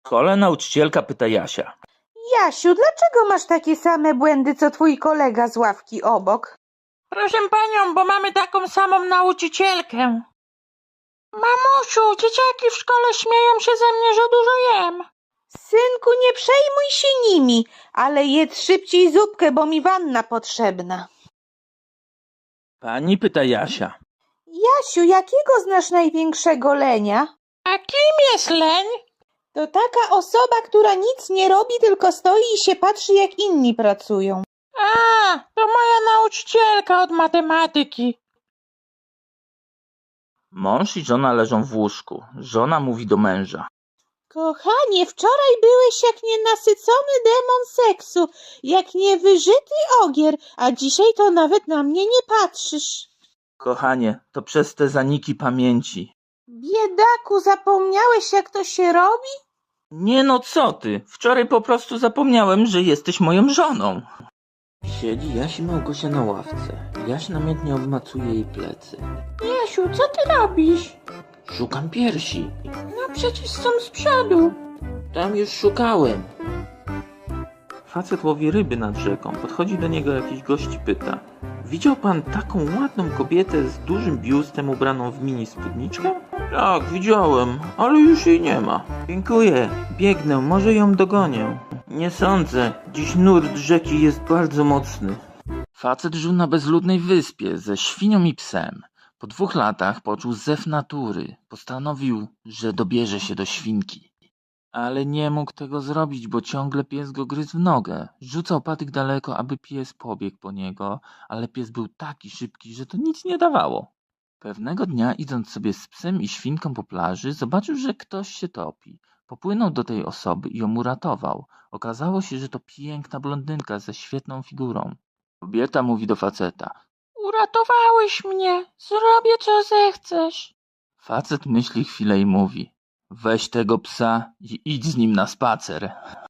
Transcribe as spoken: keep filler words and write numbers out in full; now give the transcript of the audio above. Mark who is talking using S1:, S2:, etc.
S1: W szkole nauczycielka pyta Jasia.
S2: Jasiu, dlaczego masz takie same błędy, co twój kolega z ławki obok?
S3: Proszę panią, bo mamy taką samą nauczycielkę. Mamusiu, dzieciaki w szkole śmieją się ze mnie, że dużo jem.
S2: Synku, nie przejmuj się nimi, ale jedz szybciej zupkę, bo mi wanna potrzebna.
S1: Pani pyta Jasia.
S2: Jasiu, jakiego znasz największego lenia?
S3: A kim jest leń?
S2: To taka osoba, która nic nie robi, tylko stoi i się patrzy, jak inni pracują.
S3: A, to moja nauczycielka od matematyki.
S1: Mąż i żona leżą w łóżku. Żona mówi do męża.
S2: Kochanie, wczoraj byłeś jak nienasycony demon seksu, jak niewyżyty ogier, a dzisiaj to nawet na mnie nie patrzysz.
S1: Kochanie, to przez te zaniki pamięci.
S2: Biedaku, zapomniałeś, jak to się robi?
S1: Nie no, co ty? Wczoraj po prostu zapomniałem, że jesteś moją żoną. Siedzi Jaś i Małgosia na ławce. Jaś namiętnie obmacuje jej plecy.
S3: Jasiu, co ty robisz?
S1: Szukam piersi.
S3: No przecież są z przodu.
S1: Tam już szukałem. Facet łowi ryby nad rzeką. Podchodzi do niego jakiś gość i pyta. Widział pan taką ładną kobietę z dużym biustem ubraną w mini spódniczkę? Tak, widziałem, ale już jej nie ma. Dziękuję, biegnę, może ją dogonię. Nie sądzę, dziś nurt rzeki jest bardzo mocny. Facet żył na bezludnej wyspie ze świnią i psem. Po dwóch latach poczuł zew natury. Postanowił, że dobierze się do świnki. Ale nie mógł tego zrobić, bo ciągle pies go gryzł w nogę. Rzucał patyk daleko, aby pies pobiegł po niego, ale pies był taki szybki, że to nic nie dawało. Pewnego dnia, idąc sobie z psem i świnką po plaży, zobaczył, że ktoś się topi. Popłynął do tej osoby i ją uratował. Okazało się, że to piękna blondynka ze świetną figurą. Kobieta mówi do faceta.
S3: Uratowałeś mnie. Zrobię co zechcesz.
S1: Facet myśli chwilę i mówi. Weź tego psa i idź z nim na spacer.